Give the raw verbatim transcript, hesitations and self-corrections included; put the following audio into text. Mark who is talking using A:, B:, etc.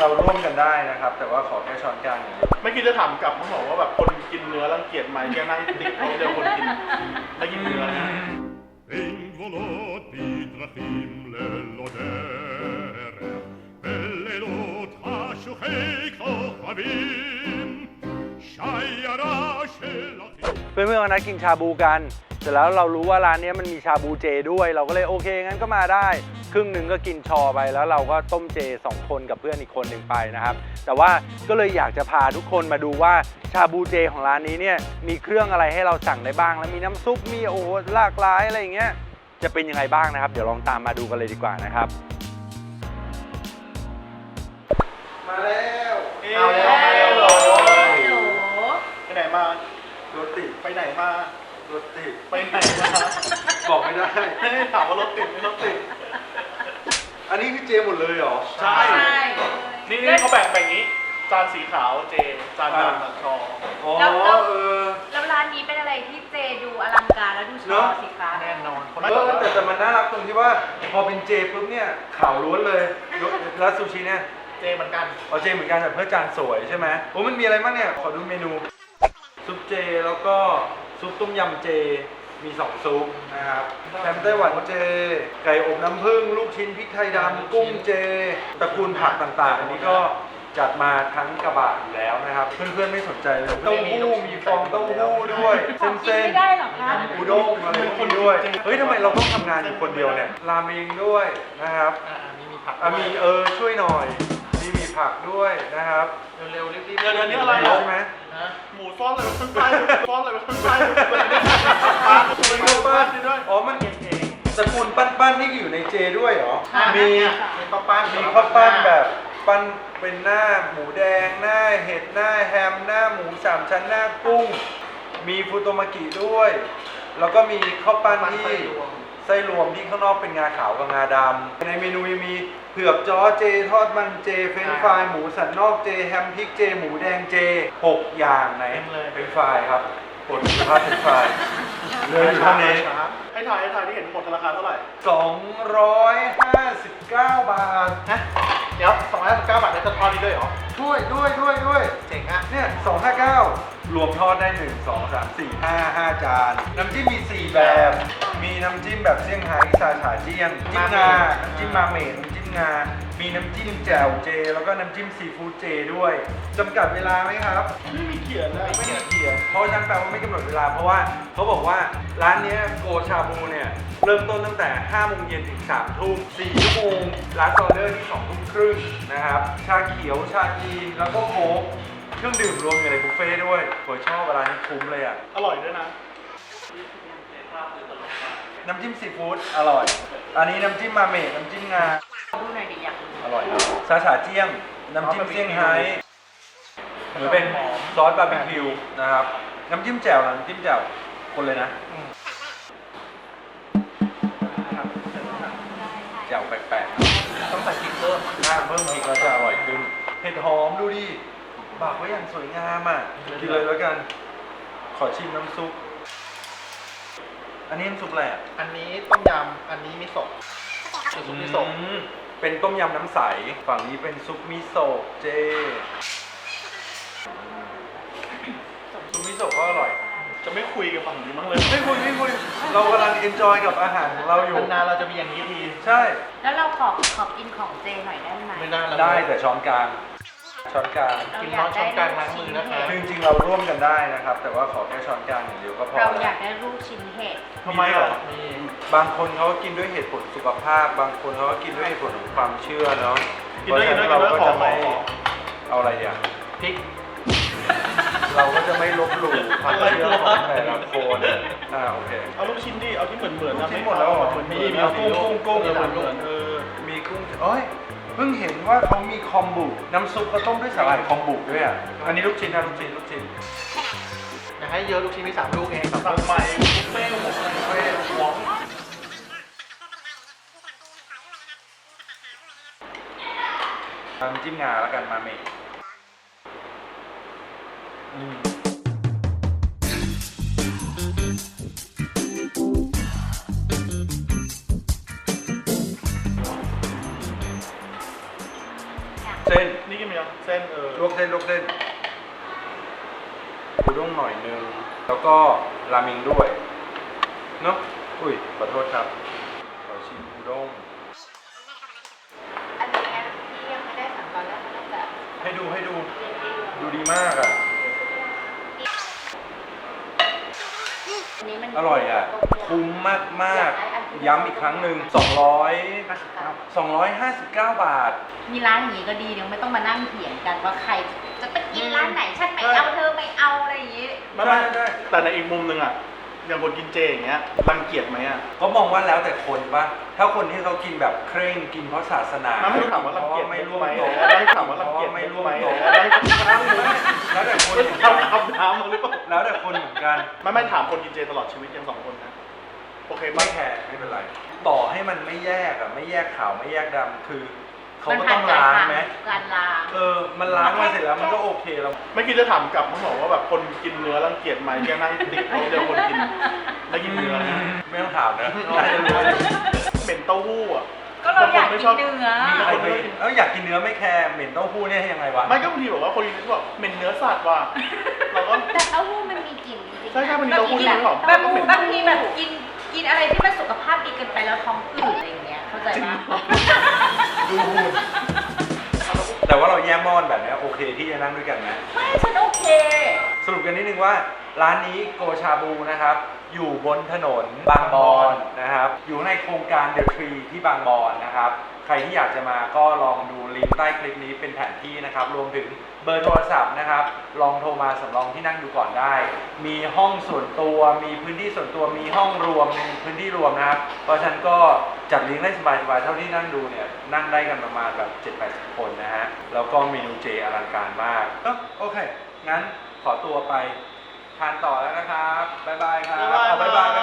A: เราร่วมกันได้นะครับแต่ว่าขอแค่ช้อนกลางอย่างนี้
B: ไม่คิดจะถามกลับเขาบอกว่าแบบคนกินเนื้อรังเกียจไหมแกนั่งติดเขาเดียวคนกินไม่กินเนื้อนะ
C: In volot bidrachim lelodere בלילות חשוכי כוכבים שיירה של אחים
A: เพื่อนๆวันนั้นกินชาบูกันเสร็จแล้วเรารู้ว่าร้านนี้มันมีชาบูเจด้วยเราก็เลยโอเคงั้นก็มาได้ครึ่งหนึ่งก็กินชอไปแล้วเราก็ต้มเจสองคนกับเพื่อนอีกคนหนึ่งไปนะครับแต่ว่าก็เลยอยากจะพาทุกคนมาดูว่าชาบูเจของร้านนี้เนี่ยมีเครื่องอะไรให้เราสั่งได้บ้างแล้วมีน้ำซุปมีโอ้โหหลากหลายอะไรอย่างเงี้ยจะเป็นยังไงบ้างนะครับเดี๋ยวลองตามมาดูกันเลยดีกว่านะครับมาแล้วเอาแล้วมาแล้วไปไหนมารถติดไปไหนมารถติดไปไหนมาบอกไม่ได้ให้ถามว่ารถติดไม่รถติดอันนี้คือเจหมดเลยเหรอใช่นี่นี่เขาแบ่งแบบนี้จานสีขาวเจจานดำกับชออ๋อเออ
D: แล้วร้านนี้เป็นอะไรที่เจดูอลังการแล้วดูชอสิคะ
B: แน่นอน
A: เออแต่แต่มันน่ารักตรงที่ว่าพอเป็นเจปุ๊บเนี่ยขาวล้วนเลยแล้วซูชิเนี่ย
B: เจเหมือนกัน
A: เอาเจเหมือนกันแต่เพื่อจานสวยใช่ไหมโอ้มันมีอะไรบ้างเนี่ยขอดูเมนูซุปเจแล้วก็ซุปต้มยำเจมีสองซุปนะครับแฮมไต้หวันเจไก่อบน้ำผึ้งลูกชิ้นพริกไทยดำกุ้งเจตระกูลผักต่างๆอันนี้ก็จัดมาทั้งกระบะอยู่แล้วนะครับเพื่อนๆไม่สนใจเลยเต้าหู้มีฟองเต้าหู้ด้วยเส้นเส้น
D: ไม่ได้หรอคะ
A: อุด้งอะไรพวกนี้ด้วยเฮ้ยทำไมเราต้องทำงานอยู่คนเดียวเนี่ยราเมงด้วยนะครับ
B: อ่ามีมีผัก
A: อ่ะมีเออช่วยหน่อยมีมีผักด้วยนะครับ
B: เร็วๆรีบๆเดี๋ยวนี้อะไร
A: ใช่ไหม
B: หมูซ้อนอะไรข้างใต้ซ้อนอะไรข้างใต้ปลาตัวเล็กปลาด้วย
A: อ๋อมันเองตระกูลปั้นๆนี่อยู่ในเจด้วยเหรอมี
B: มีข้าวปั้น
A: มีข้าวปั้นแบบปั้นเป็นหน้าหมูแดงหน้าเห็ดหน้าแฮมหน้าหมูสามชั้นหน้ากุ้งมีฟูโตมากิด้วยแล้วก็มีข้าวปั้นที่ไส้รวมที่ข้างนอกเป็นงาขาวกับงาดำในเมนูยังมีเผือกจ้อเจทอดมันเจเฟรนช์ฟรายหมูสันนอกเจแฮมพริกเจหมูแดงเจหกอย่างไหนเป็นฟรายครับผลคุณภาพเป็นฟรายเลยอยู่เท่านี้
B: ให้ถ่ายให้ถ่ายที่เห็นหมดราคาเท่าไหร่
A: สองร้อยห้าสิบเก้าบาท
B: ฮะเดี๋ยวสองร้อยห้าสิบเก้าบาทได้ทอดนี้ด้วยเหรอ
A: ด้วยด้วยด้วยด้วย
B: เจ๋งอ่ะ
A: เนี่ยสองห้าเก้ารวมทอดได้หนึ่งสองสามสี่ห้าห้าจานน้ำจิ้มมีสี่แบบมีน้ำจิ้มแบบเซี่ยงไฮ้ซาฉาเจี้ยงจิ้มงาน้ำจิ้มมาเมดน้ำจิ้มงามีน้ำจิ้มแจ่วเจแล้วก็น้ำจิ้มซีฟู้ดเจด้วยจำกัดเวลาไหมครับ
B: ไม่มีเขียนนะ
A: ไม่มีเขียนเพราะฉะนั้นแปลว่าไม่กำหนดเวลาเพราะว่าเขาบอกว่าร้านนี้โกชาบูเนี่ยเริ่มต้นตั้งแต่ห้าโมงเย็นถึงสามทุ่มสี่ชั่วโมงร้านออเดอร์ที่สองทุ่มครึ่งนะครับชาเขียวชาจีนแล้วก็โค้กเครื่องดื่มรวมอยู่ในบุฟเฟ่ด้วยผมชอบร้านนี้คุ้มเลยอ่ะ
B: อร่อยด้วยนะ
A: น้ำจิ้มซีฟู้ดอร่อยอันนี้น้ำจิ้มมาเมดน้ำจิ้มงา
D: ดูหน่อยดิอยาก
A: อร่อยครับซาฉาเจี้ยงน้ำจิ้มเซี่ยงไฮ้หรือเป็นซอสบาร์บีคิวนะครับน้ำจิ้มแจ่วน้ำจิ้มแจ่วคนเลยนะแจ่วแปลกๆ
B: ต้องใส่พริกเพิ่ม
A: ถ้าเพิ่มพริกแล้วจะอร่อยขึ้นเห็ดหอมดูดิบากไว้อย่างสวยงามอ่ะกินเลยแล้วกันขอชิมน้ำซุปอันนี้น้ำซุปอะไรอ่ะ
B: อันนี้ต้มยำอันนี้มิโซะซุปมิโซะ
A: เป็นต้มยำน้ำใสฝั่งนี้เป็นซุปมิโซะเจซุปมิโซะก็อร่อย
B: จะไม่คุยกับฝั่งนี้มั้งเลย
A: ไม่คุยไม่คุยเรากำลังเอนจอยกับอาหารของเราอยู่
B: นานเราจะมีอย่างนี้ที
A: ใช่
D: แล้วเราขอขอกินของเจหน่อยได้ไหม
B: ไม่ได้
A: ได้แต่ช้อนกลางช้อนกลาง
B: กินช้อนช้อนกลางล้างมือนะคะ
A: จริงๆเราร่วมกันได้นะครับแต่ว่าขอแค่ช้อนกลางอย่างเดียวก็พอ
D: เราอยากได้ลูกชิ้นเห็ด
A: ทำไมหรอบางคนเขาก็กินด้วยเหตุผลสุขภาพบางคนเขาก็กินด้วยเหตุผลของความเชื่อเนาะ
B: กินด้วยกินด้วย
A: เราก็จะไม่เอาอะไรอย่าง
B: พริก
A: เราก็จะไม่ลบหลู่ความเชื่อของแต่ละคนอ่าโอเค
B: เอาลูกชิ้นดิเอาที่เหมือนเหมือนนะ
A: ชิ้นหมดแล้วเหมือนมีมีกุ้งกุ้งกุ้งเหมือนเหมือนเออมีกุ้งเอ้ยเพิ่งเห็นว่าเขามีคอมบุน้ำซุปเขาต้มด้วยสาหร่ายคอมบุด้วยอ่ะอันนี้ลูกชิ้นนะลูกชิ้นลูกชิ้น
B: อยากให้เยอะลูกชิ้นมีสามลูกเองสั่งใหม่บุฟเฟ่ต์หมดเลยบุฟเฟ่ต์หวง
A: น้ำจิ้มงาแล้วกันมาเมย์เจส้น
B: นี่กินไหมยังเส้นเออ
A: ลวกเส้นลวกเส้นอุด้งหน่อยนึงแล้วก็ราเมงด้วยเนาะอุ้ยขอโทษครับขอชิมอุด้ง
D: อันนี้ที่ยังไม่ได้สั่งตอนแรกมันน่าจะ
A: ให้ดูให้ดู
D: เรียนดี
A: ดูดีมากอ่ะ
D: อันนี้มัน
A: อร่อยอ่ะ คุ้มมากมากๆย้ำอีกครั้งหนึ่งสองร้อย สองร้อยห้าสิบเก้าบาท
D: มีร้านอย่างนี้ก็ดีเดี๋ยวไม่ต้องมานั่งเถียงกันว่าใครจะไปกินร้านไหนฉันไม่เอาเธอไม่เอาอะไรอย่างนี้
B: ไม่ไม่
A: ได้ได้
B: แต่ในอีกมุมหนึ่งอ่ะอย่างคนกินเจอย่างเงี้ยรังเกียจไหมอ่ะ
A: ก็มองว่าแล้วแต่คนปะถ้าคนที่เขากินแบบเคร่งกินเพราะศาสนา
B: ไม่ถามว่ารังเกียจ
A: ไม่ร่วม
B: ไหม
A: โต๊ะ
B: ไม่ถามว่ารังเกียจ
A: ไม่ร่วม
B: ไหม
A: โต๊ะ แล้วแต่คนเหมือน
B: ท
A: กัน
B: ำคำถามมาหรือเปล่า
A: แล้วแต่คนเหมือนกัน
B: ไม่ไม่ถามคนกินเจตลอดชีวิตยังสองคนนะโอเค
A: ไม่
B: ไม่
A: แคร์ไม่เป็นไร ต่อให้มันไม่แยกอะไม่แยกขาวไม่แยกดำคือเขาก็ต้องล้างไหม
D: การล้าง
A: เออ มันล้างมาเสร็จแล้วมันก็โอเคแล้ว
B: ไม่คิดจะถามกลับเขาบอกว่าแบบคนกินเนื้อรังเกียจไหมแค่นั่งติดเขาเดียวคนกินไม่กินเนื้อนะ
A: ไม่ต้องถามนะน่าจะรู้
B: เหม็นเต้าหู้อ่ะ
D: ก็เราอยากกินเนื้อ
A: มีใครไปเอ้าอยากกินเนื้อไม่แคร์เหม็นเต้าหู้เนี่ยยังไงวะ
B: ไม่ก็บางทีบอกว่าคนกินแบบเหม็นเนื้อสัตว์ว่ะเราก็
D: แต่เต้าหู้มันมีกลิ่นจริงๆ
B: ใช่ใช่มันมีเต้าหู้
D: บ
B: ด้วยเหรอ
D: บางบางทีแบบกินกินอะไรที่มันสุขภาพดีเกินไปแล้วท้องอืดอะไรอย่างเงี้ยเข้าใจปะ
A: ดูหุ่นแต่ว่าเราแยกหม้อนแบบเนี้ยโอเคที่จะนั่งด้วยกันไหม
D: ไม่ฉันโอเค
A: สรุปกันนิดนึงว่าร้านนี้โกชาบูนะครับ อยู่บนถนนบางบอนนะครับ อยู่ในโครงการเดอะทรีที่บางบอนนะครับ ใครที่อยากจะมาก็ลองดูลิงก์ใต้คลิปนี้เป็นแผนที่นะครับ รวมถึงเบอร์โทรศัพท์นะครับ ลองโทรมาสำรองที่นั่งดูก่อนได้ มีห้องส่วนตัว มีพื้นที่ส่วนตัว มีห้องรวมมีพื้นที่รวมนะครับ เพราะฉะนั้นก็จัดเลี้ยงได้สบายๆเท่าที่นั่งดูเนี่ย นั่งได้กันประมาณแบบ เจ็ดแปดสิบ คนนะฮะ แล้วก็เมนูเจอลังการมากเอ้อโอเค งั้นขอตัวไปทานต่อแล้วนะครับ บ๊ายบายครับ
B: บ๊ายบาย
A: เอาบ๊ายบาย